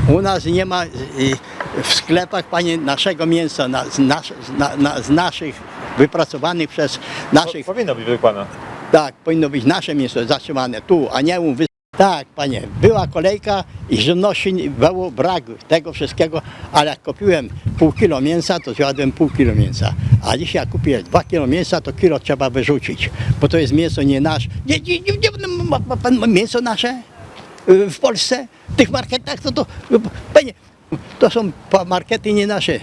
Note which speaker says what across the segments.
Speaker 1: U nas nie ma w sklepach, panie, naszego mięsa, z naszych wypracowanych przez naszych.
Speaker 2: Powinno być, według pana.
Speaker 1: Tak, powinno być nasze mięso zatrzymane tu, a nie tak, panie, była kolejka i żywności było brak tego wszystkiego, ale jak kupiłem pół kilo mięsa, to zjadłem pół kilo mięsa. A dzisiaj jak kupię 2 kilo mięsa, to kilo trzeba wyrzucić, bo to jest mięso nie nasze. Ma pan mięso nasze w Polsce? W tych marketach panie, to są markety nie nasze,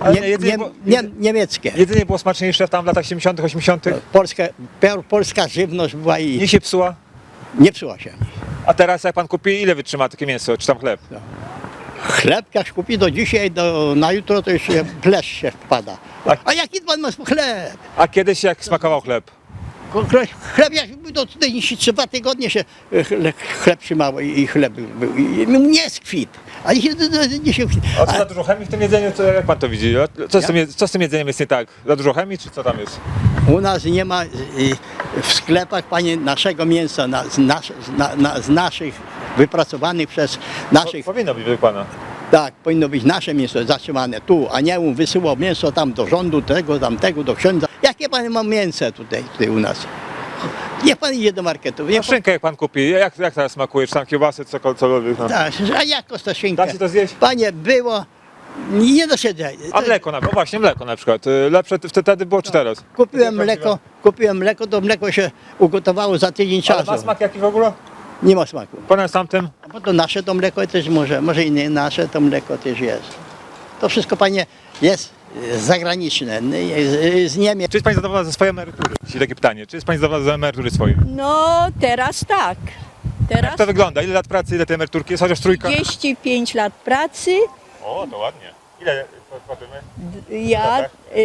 Speaker 1: niemieckie.
Speaker 2: Jedzenie było smaczniejsze tam w latach 70., 80.
Speaker 1: Polska żywność była i
Speaker 2: Nie się psuła.
Speaker 1: nie psuła się.
Speaker 2: A teraz jak pan kupi, ile wytrzyma takie mięso, czy tam chleb?
Speaker 1: Chleb jak kupi do dzisiaj, na jutro to już plesz się wpada. A jaki pan ma chleb?
Speaker 2: A kiedyś jak smakował chleb?
Speaker 1: Chleb jak był to tutaj 3 tygodnie się chleb trzymało i chleb był. I nie skwit. A dzisiaj
Speaker 2: A co za dużo chemii w tym jedzeniu? Jak pan to widzi? Co z tym jedzeniem jest nie tak? Za dużo chemii, czy co tam jest?
Speaker 1: u nas nie ma w sklepach, panie, naszego mięsa, z naszych wypracowanych przez naszych.
Speaker 2: Powinno być, według pana.
Speaker 1: Tak, powinno być nasze mięso zatrzymane tu, a nie wysyłał mięso tam do rządu, tego, tamtego, do księdza. Jakie pan ma mięso tutaj u nas? Niech pan idzie do marketu.
Speaker 2: A szynkę jak pan kupi, jak teraz smakuje? Czy tam kiełbasy, cokolwiek? No.
Speaker 1: Tak, a jak to szynka?
Speaker 2: Da się to zjeść?
Speaker 1: Panie, było, nie dosiedzę.
Speaker 2: A mleko na przykład, właśnie mleko na przykład. Lepsze wtedy było czy teraz?
Speaker 1: Kupiłem mleko, to mleko się ugotowało za tydzień
Speaker 2: Ale
Speaker 1: czasu.
Speaker 2: ma smak jaki w ogóle?
Speaker 1: Nie ma smaku.
Speaker 2: Ponad tamtym?
Speaker 1: A bo to nasze to mleko też może i nie nasze to mleko też jest. To wszystko, panie, jest zagraniczne, z Niemiec.
Speaker 2: Czy jest pani zadowolona ze swojej emerytury? Czyli takie pytanie. Czy jest pani zadowolona ze emerytury swojej?
Speaker 3: No teraz tak. Teraz
Speaker 2: Jak to wygląda? Ile lat pracy, ile tej emeryturki jest? Chociaż trójka?
Speaker 3: 35 lat pracy,
Speaker 2: O, to ładnie. Ile płacimy?
Speaker 3: ja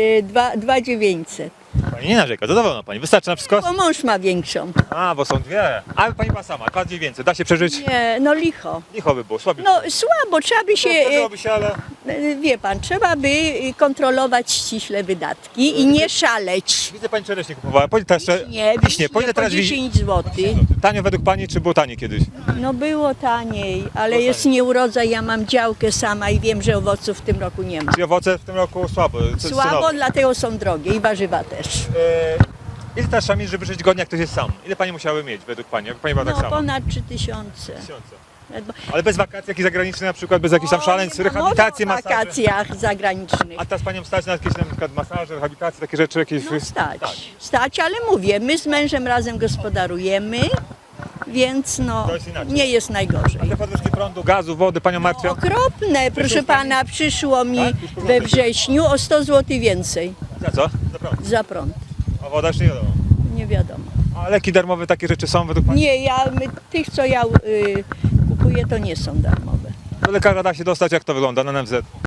Speaker 3: 2,900.
Speaker 2: Pani nie narzeka, zadowolona pani. Wystarczy na wszystko?
Speaker 3: Bo mąż ma większą.
Speaker 2: A, bo są dwie. Ale pani ma sama, 2,900. Da się przeżyć?
Speaker 3: Nie, no licho.
Speaker 2: Licho by było, słabiej.
Speaker 3: No słabo, trzeba by się,
Speaker 2: Przeżyłoby się, ale...
Speaker 3: wie pan, trzeba by kontrolować ściśle wydatki i nie szaleć.
Speaker 2: Widzę, pani czereśnie kupowała. Po ile teraz wiśnie. Po ile
Speaker 3: po
Speaker 2: teraz
Speaker 3: 10 zł.
Speaker 2: Tanio według pani, czy było taniej kiedyś?
Speaker 3: No było taniej, ale jest nieurodzaj, ja mam działkę sama i wiem, że owoców w tym roku nie ma.
Speaker 2: Czyli owoce w tym roku słabo?
Speaker 3: Słabo, dlatego są drogie i warzywa też.
Speaker 2: Ile teraz trzeba mieć, żeby żyć godnie, jak ktoś jest sam? Ile pani musiały mieć według pani? Jak pani była tak
Speaker 3: No
Speaker 2: sama?
Speaker 3: ponad 3000.
Speaker 2: Ale bez wakacji jakichś zagranicznych na przykład, bez jakichś tam szaleństw, rehabilitacji,
Speaker 3: W
Speaker 2: masaży?
Speaker 3: wakacjach zagranicznych.
Speaker 2: A teraz panią stać na jakieś na przykład masaże, rehabilitacje, takie rzeczy jakieś?
Speaker 3: No stać, ale mówię, my z mężem razem gospodarujemy, więc no
Speaker 2: To jest inaczej.
Speaker 3: nie jest najgorzej.
Speaker 2: Te podwyżki prądu, gazu, wody panią martwią?
Speaker 3: Okropne, proszę pana, przyszło mi
Speaker 2: Tak? Już po
Speaker 3: we wrześniu o 100 zł więcej
Speaker 2: Za co? Za prąd.
Speaker 3: za prąd.
Speaker 2: A woda już nie wiadomo.
Speaker 3: Nie wiadomo.
Speaker 2: A leki darmowe, takie rzeczy są według pani?
Speaker 3: Nie, tych co ja kupuję to nie są darmowe.
Speaker 2: Do lekarza da się dostać, jak to wygląda na NFZ?